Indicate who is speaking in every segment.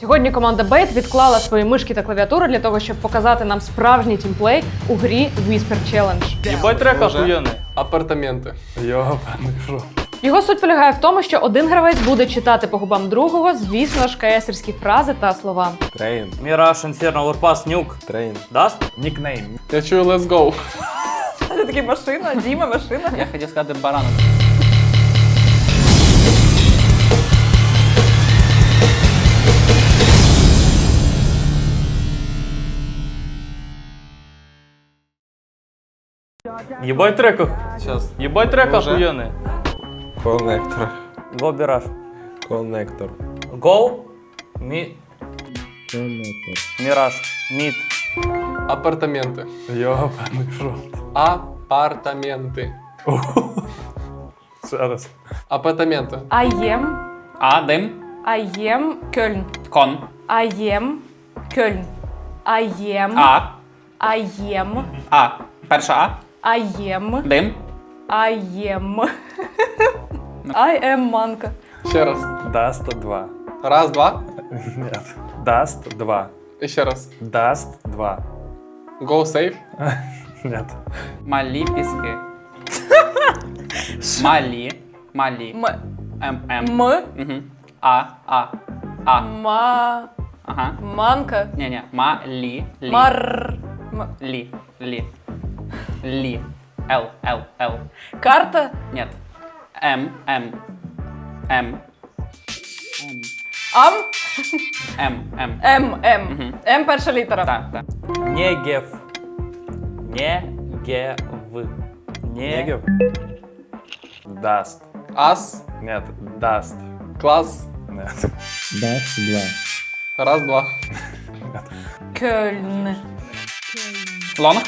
Speaker 1: Сьогодні команда Bait відклала свої мишки та клавіатури для того, щоб показати нам справжній тімплей у грі Whisper Challenge.
Speaker 2: Єбать трек охуєнний.
Speaker 3: Апартаменти.
Speaker 2: Йобаний рот.
Speaker 1: Його суть полягає в тому, що один гравець буде читати по губам другого, звісно ж, КСерські фрази та слова.
Speaker 2: Трейн.
Speaker 4: Міраж, Інферно, Warpass, Нюк.
Speaker 2: Трейн.
Speaker 4: Даст?
Speaker 2: Нікнейм.
Speaker 3: Я чую let's go.
Speaker 1: Це такий машина, Діма, машина.
Speaker 4: Я хотів сказати баранок.
Speaker 2: Єбать трек.
Speaker 3: Сейчас.
Speaker 2: Єбать трек
Speaker 3: Може?
Speaker 2: охуєнний.
Speaker 3: Коннектор.
Speaker 4: Го Міраж.
Speaker 3: Коннектор.
Speaker 4: Го. Міраж. Мід.
Speaker 3: Апартаменти.
Speaker 2: Йобаний рот.
Speaker 3: Апартаменти.
Speaker 2: Ще раз.
Speaker 3: Апартаменти.
Speaker 1: I
Speaker 4: Дим.
Speaker 1: am Köln.
Speaker 4: Кон.
Speaker 1: I am Köln. I am.
Speaker 4: Перша
Speaker 1: I am.
Speaker 4: Дим.
Speaker 1: I am. I am манка.
Speaker 3: Ще раз.
Speaker 2: Даст 2.
Speaker 3: Раз, два.
Speaker 2: Нет. Даст 2.
Speaker 3: І ще раз.
Speaker 2: Даст 2.
Speaker 3: Go safe.
Speaker 2: Нет.
Speaker 4: Малі піски. Малі. М. Угу. А.
Speaker 1: Ма.
Speaker 4: Ага.
Speaker 1: Манка.
Speaker 4: Ні. Малі. Лі. Л.
Speaker 1: Карта.
Speaker 4: Нет. М.
Speaker 1: Ам.
Speaker 4: М.
Speaker 1: М. М перша літера.
Speaker 4: Так.
Speaker 2: Негев. Негев. Даст.
Speaker 3: Ас.
Speaker 2: Нет. Даст.
Speaker 3: Клас.
Speaker 2: Нет.
Speaker 3: Раз, два.
Speaker 1: Кöln.
Speaker 4: Лонг.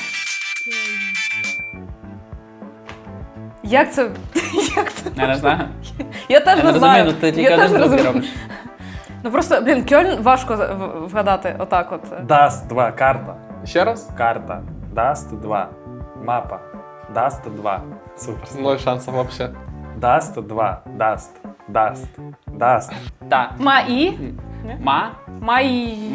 Speaker 1: Як це? Як це?
Speaker 4: Я не знаю.
Speaker 1: Я теж
Speaker 4: Я
Speaker 1: не
Speaker 4: не
Speaker 1: знаю.
Speaker 4: розумію, ну ти
Speaker 1: Я
Speaker 4: тільки
Speaker 1: теж
Speaker 4: один
Speaker 1: не
Speaker 4: звук
Speaker 1: розумію.
Speaker 4: робиш.
Speaker 1: Ну просто, блін, Кöln важко вгадати отак от.
Speaker 2: Даст 2. Карта.
Speaker 3: Ще раз.
Speaker 2: Карта. Даст 2. Мапа. Даст 2. Супер.
Speaker 3: Ноль шансов вообще.
Speaker 2: Даст 2. Даст.
Speaker 4: Так.
Speaker 1: Маї. Маї.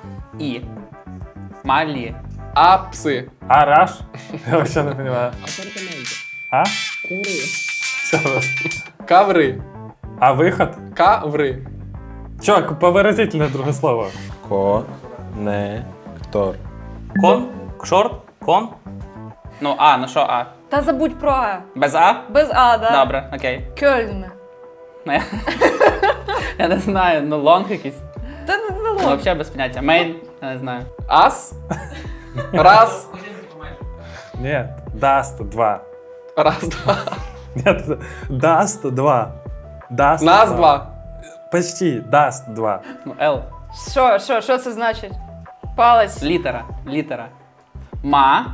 Speaker 4: Малі.
Speaker 3: Апси.
Speaker 2: Араш? Я вообще не понимаю. А? Еще раз.
Speaker 3: Коври.
Speaker 2: А выход?
Speaker 3: Коври.
Speaker 2: Чё, повыразительное другое слово.
Speaker 3: Коннектор.
Speaker 4: Кон. Шорт. Кон. Ну що А?
Speaker 1: Та забудь про А.
Speaker 4: Без А?
Speaker 1: Без А, да?
Speaker 4: Добре, окей.
Speaker 1: Кöln.
Speaker 4: Ну, я не знаю, ну лонг якийсь.
Speaker 1: Та не
Speaker 4: Ну,
Speaker 1: лонг.
Speaker 4: взагалі без поняття. Мейн, я не знаю.
Speaker 3: Ас. Раз.
Speaker 2: Нет, даст 2.
Speaker 3: Раз, два.
Speaker 2: Нет, даст 2. Даст
Speaker 3: Нас два.
Speaker 2: Почти, даст 2.
Speaker 4: Ну, Л.
Speaker 1: Що це значить? Палець.
Speaker 4: Літера.
Speaker 1: Ма.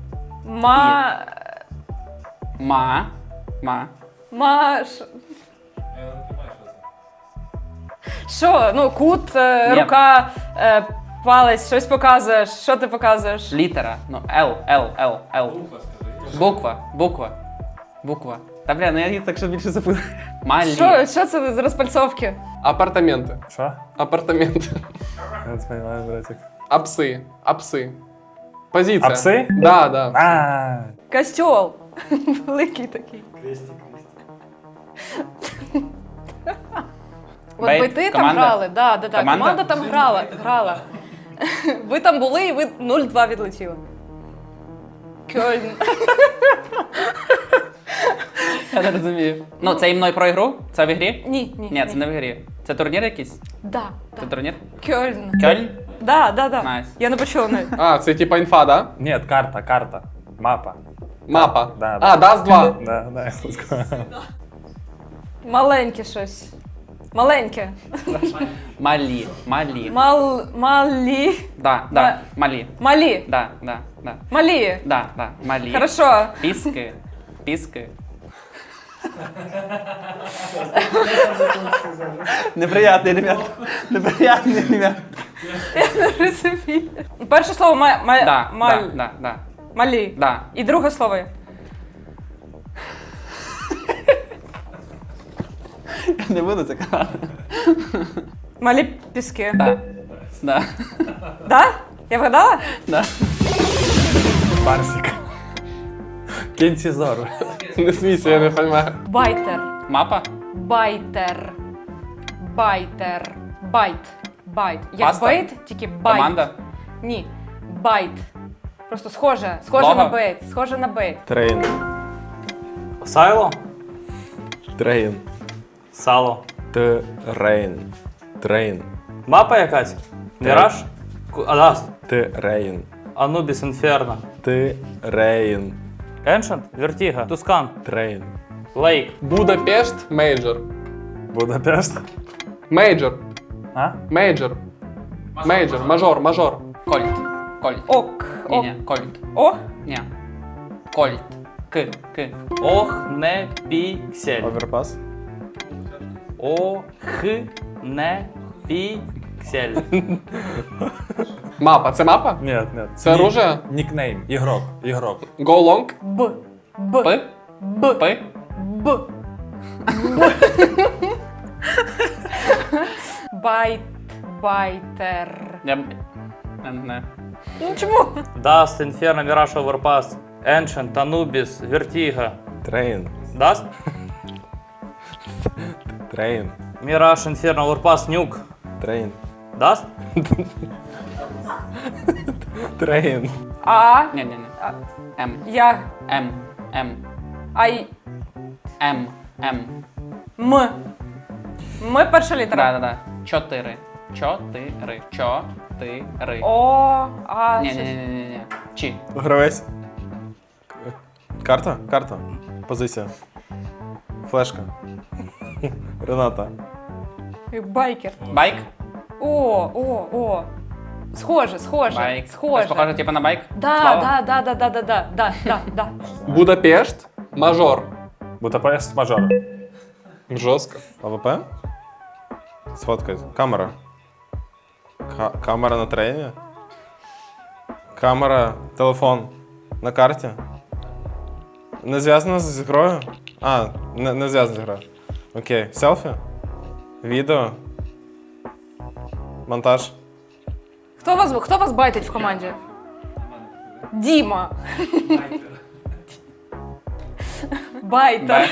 Speaker 1: Що? Ну, кут, рука, палець, щось показуєш. Що ти показуєш?
Speaker 4: Літера. Ну, Л. Буква. Та бля, ну я їх так що більше запитаю. Малі.
Speaker 1: Що це з розпальцовки?
Speaker 3: Апартаменти.
Speaker 2: Что?
Speaker 3: Апартаменти.
Speaker 2: Я не понимаю, братик.
Speaker 3: Апси. Апси. Позиція.
Speaker 2: Апси?
Speaker 3: Да, да.
Speaker 2: А,
Speaker 1: Костьол. Великий такий. От
Speaker 4: Бейт,
Speaker 1: ви ти там
Speaker 4: команда?
Speaker 1: грали, да.
Speaker 4: Команда?
Speaker 1: Команда там грала. Ви там були і ви 0-2 відлетіли. Кöln.
Speaker 4: Я не розумію. Ну, це і мною про ігру? Це в ігрі?
Speaker 1: Ні.
Speaker 4: Ні, це не в ігрі. Це турнір якийсь?
Speaker 1: Да.
Speaker 4: Це турнір?
Speaker 1: Кöln.
Speaker 4: Кьольн?
Speaker 1: Да.
Speaker 4: Найс.
Speaker 1: Я не почула навіть.
Speaker 3: А, це типа інфа, да?
Speaker 2: нет, карта. Мапа.
Speaker 3: Мапа.
Speaker 2: Да.
Speaker 3: А, даст два.
Speaker 2: Да, let's go.
Speaker 1: Маленьке щось. Маленьке.
Speaker 4: Малі.
Speaker 1: Малі.
Speaker 4: Да. Малі.
Speaker 1: Малі.
Speaker 4: Да.
Speaker 1: Малі.
Speaker 4: Да. Малі.
Speaker 1: Хорошо.
Speaker 4: Піски. Неприятний, ребят.
Speaker 1: Я не розумію. Перше слово
Speaker 4: Да.
Speaker 1: малі.
Speaker 4: Да.
Speaker 1: І друге слово.
Speaker 4: Я не буду це казати.
Speaker 1: Малі піски.
Speaker 3: Да. Да.
Speaker 1: Да? Я вгадала?
Speaker 3: Да.
Speaker 2: Барсик. Кінцізор.
Speaker 3: Не смійся, я не розумію.
Speaker 1: Байтер.
Speaker 3: Мапа?
Speaker 1: Байтер. Байтер. Байт. Байт. Як
Speaker 3: Паста?
Speaker 1: бейт, тільки байт.
Speaker 3: Команда?
Speaker 1: Ні. Байт. Просто схоже. Схоже
Speaker 3: Лого?
Speaker 1: на бейт. Схоже на бейт.
Speaker 5: Трейн.
Speaker 4: Сайло?
Speaker 5: Трейн.
Speaker 4: Сало.
Speaker 5: Трейн. Трейн.
Speaker 4: Мапа якась? Міраж? Адаст.
Speaker 5: Трейн.
Speaker 4: Анубіс Інферно.
Speaker 5: Трейн.
Speaker 4: Еншент? Вертіга. Тускан.
Speaker 5: Трейн.
Speaker 4: Лейк.
Speaker 3: Будапешт, мейджор.
Speaker 2: Будапешт.
Speaker 3: Мейджор.
Speaker 2: А?
Speaker 3: Мейджор. Мейджор. Мажор, мажор.
Speaker 6: Кольт. Кольт.
Speaker 1: Ок. Ок.
Speaker 6: Ні, кольт.
Speaker 1: О.
Speaker 6: Ні. Кольт. К.
Speaker 4: Ох, не піксель.
Speaker 5: Оверпас.
Speaker 4: Ох, не піксель.
Speaker 3: Мапа. Це мапа?
Speaker 2: Ні, ні.
Speaker 3: Це оружие?
Speaker 2: Нікнейм. Ігрок. Ігрок.
Speaker 3: Go long?
Speaker 1: Б. Б.
Speaker 6: П.
Speaker 1: Б.
Speaker 6: П.
Speaker 1: Б. Байт. Байтер.
Speaker 6: Я не знаю.
Speaker 1: Ну чому?
Speaker 4: Даст, Інферно, Міраж, Оверпас. Еншент, Анубіс, Вертіга.
Speaker 5: Трейн.
Speaker 4: Даст?
Speaker 5: Трейн.
Speaker 4: Міраж, Інферно, Оверпас, Нюк.
Speaker 5: Трейн.
Speaker 4: Даст?
Speaker 5: Трейн.
Speaker 1: А.
Speaker 6: Ні. М.
Speaker 1: Я.
Speaker 6: М. М.
Speaker 1: Ай.
Speaker 6: М. М.
Speaker 1: М. М перша літера.
Speaker 6: Да. Чотири.
Speaker 1: О. А.
Speaker 6: Ні. Чи.
Speaker 5: Гравець. Карта? Карта. Позиція. Флешка. Рената.
Speaker 1: Байкер.
Speaker 6: Байк.
Speaker 1: О. Схоже.
Speaker 6: Байк.
Speaker 1: Схоже.
Speaker 6: Похоже, типу на байк?
Speaker 1: Да.
Speaker 3: Будапешт, мажор.
Speaker 2: Будапешт мажор.
Speaker 3: Жорстко.
Speaker 5: АВП? Сфоткать. Камера. Камера на трейні? Камера, телефон на карті? Не зв'язано з грою? А, не зв'язано з грою. Окей. Селфі? Відео? Монтаж?
Speaker 1: Хто вас байтить в команді? Діма. Байтер.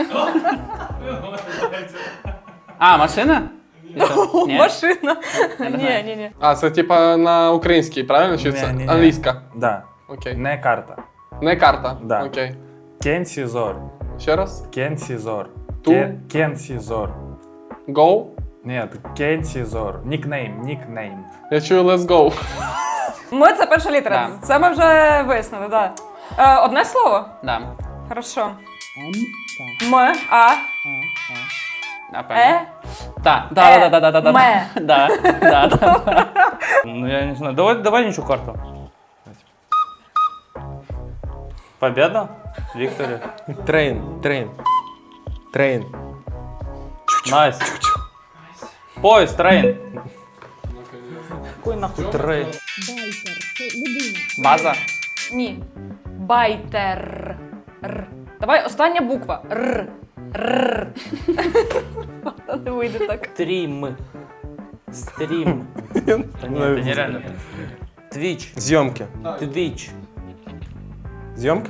Speaker 6: А, машина? Ні.
Speaker 1: Машина.
Speaker 6: Я не знаю.
Speaker 1: Ні.
Speaker 3: А, це типа на українській, правильно? Чи це
Speaker 2: Ні-ні-ні.
Speaker 3: англійська?
Speaker 2: Да.
Speaker 3: Окей.
Speaker 2: Не карта.
Speaker 3: Не карта?
Speaker 2: Да.
Speaker 3: Окей.
Speaker 2: Кенсізор.
Speaker 3: Ще раз?
Speaker 2: Кенсізор.
Speaker 3: Ту?
Speaker 2: Кенсізор.
Speaker 3: Go?
Speaker 2: Ні, Кенсізор. Нікнейм.
Speaker 3: Я чую let's go.
Speaker 1: Ми це перша літера.
Speaker 6: Да.
Speaker 1: Це ми вже вияснили, так. Да. Одне слово?
Speaker 6: Да.
Speaker 1: Хорошо. М, А,
Speaker 6: Напевно.
Speaker 1: Е,
Speaker 6: Да.
Speaker 1: Ме.
Speaker 6: Да.
Speaker 4: Ну я не знаю. Давай нічу карту. Победа? Вікторія.
Speaker 5: Трейн.
Speaker 4: Найс. Поїзд, трейн. Какой нахуй трейн?
Speaker 6: База.
Speaker 1: Ні. Байтер. Р. Давай остання буква. Р. Не вийде так.
Speaker 4: Стрім. Та ні, це нереально. Твіч.
Speaker 5: Зйомки.
Speaker 4: Твіч.
Speaker 5: Зйомки?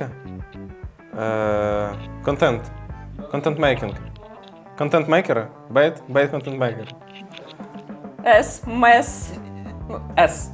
Speaker 5: Контент. Контент-мейкінг. Контент-мейкери? Бейт контент-мейкер.
Speaker 1: С. Мес.
Speaker 6: С.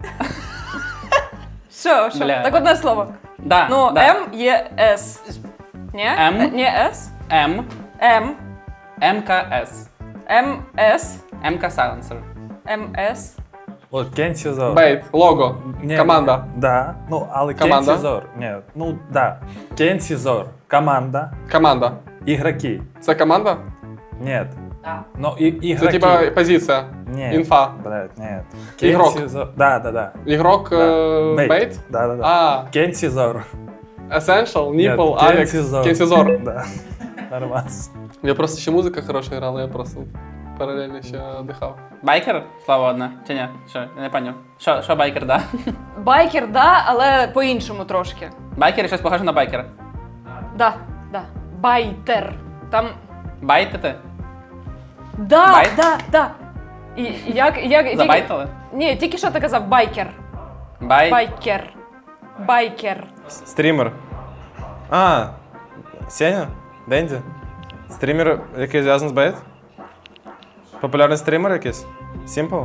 Speaker 1: Що?
Speaker 6: Бля.
Speaker 1: Так одне слово.
Speaker 6: Да.
Speaker 1: Ну,
Speaker 6: да.
Speaker 1: М є С. Ні?
Speaker 6: М.
Speaker 1: Ні С.
Speaker 6: М.
Speaker 1: М.
Speaker 6: МКС.
Speaker 1: М. С.
Speaker 6: МК Сайленсер.
Speaker 1: М. С.
Speaker 2: От Кенсізор.
Speaker 3: Бейт, лого,
Speaker 2: Ні,
Speaker 3: команда.
Speaker 2: Да. Ну, але
Speaker 3: Команда?
Speaker 2: Кенсізор. Ні, ну, да. Кенсізор. Команда.
Speaker 3: Команда.
Speaker 2: Ігроки.
Speaker 3: Це команда?
Speaker 2: Нет.
Speaker 6: Да.
Speaker 2: Ну, ігроки.
Speaker 3: Це типа позиція.
Speaker 2: Нет.
Speaker 3: Інфа.
Speaker 2: Блядь, нет.
Speaker 3: Ігрок.
Speaker 2: Кенсізор. Да.
Speaker 3: Ігрок бейт?
Speaker 2: Да.
Speaker 3: А,
Speaker 2: Кенсізор.
Speaker 3: Essential,
Speaker 2: Нет,
Speaker 3: Nipple, Alex.
Speaker 2: Кенсізор.
Speaker 3: Кенсізор.
Speaker 2: Да. Нормально.
Speaker 3: Я просто ще музика хороша грала, я просто паралельно ще дихав.
Speaker 6: Байкер? Слово одне. Чи ні? Що? Я не поняв. Що байкер, да?
Speaker 1: Байкер, да, але по-іншому трошки.
Speaker 6: Байкер щось похоже на байкера.
Speaker 1: Да. Байтер. Там.
Speaker 6: Байтити?
Speaker 1: Да,
Speaker 6: Байт?
Speaker 1: да. як...
Speaker 6: Забайтили?
Speaker 1: Ні, тільки що ти казав, байкер.
Speaker 6: Бай.
Speaker 1: Байкер. Байкер.
Speaker 5: Стрімер. А, Сеня? Денді? Стрімер, який зв'язаний з бейт? Популярний стрімер якийсь? Simple?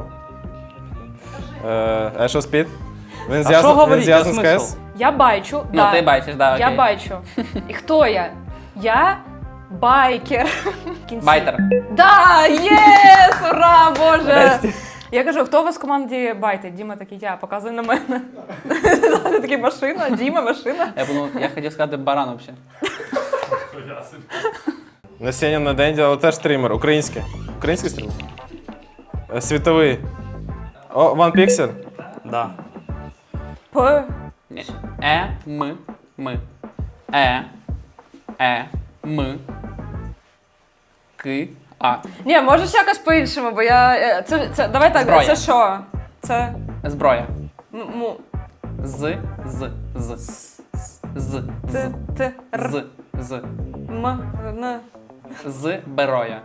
Speaker 5: Ешо Спід? Він
Speaker 4: що говорить,
Speaker 5: зв'язаний з
Speaker 4: смисл?
Speaker 5: КС?
Speaker 1: Я байчу,
Speaker 6: Ну,
Speaker 1: да.
Speaker 6: ти бачиш, да, окей.
Speaker 1: Я байчу. І хто я? Я байкер. В кінці.
Speaker 6: Байтер.
Speaker 1: Да, єс! Ура, боже! Я кажу, хто у вас в команді байтить? Діма такий, я, показуй на мене. Такий, машина, Діма, машина.
Speaker 6: Я хотів сказати баран взагалі.
Speaker 5: На Сеня, на Денді, але теж стрімер. Український. Український стрімер? Світовий. О, One Pixel?
Speaker 4: Да.
Speaker 1: П.
Speaker 6: Ні. М. М. К. А.
Speaker 1: Ні, можеш якось по-іншому, бо я... давай так,
Speaker 6: Зброя.
Speaker 1: це що? Це...
Speaker 6: Зброя.
Speaker 1: Му...
Speaker 6: З.
Speaker 1: Т. Т. Р.
Speaker 6: З.
Speaker 1: М. Н.
Speaker 6: З. Бероя.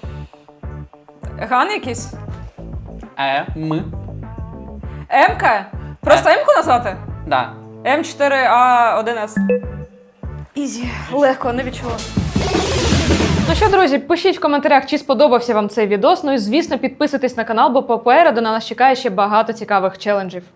Speaker 1: Ган якийсь?
Speaker 6: М.
Speaker 1: М-ка? Просто М-ку назвати?
Speaker 6: Да.
Speaker 1: М4А1С. Ізі. Легко, не відчула. Ну що, друзі, пишіть в коментарях, чи сподобався вам цей відос. Ну і, звісно, підписуйтесь на канал, бо попереду на нас чекає ще багато цікавих челенджів.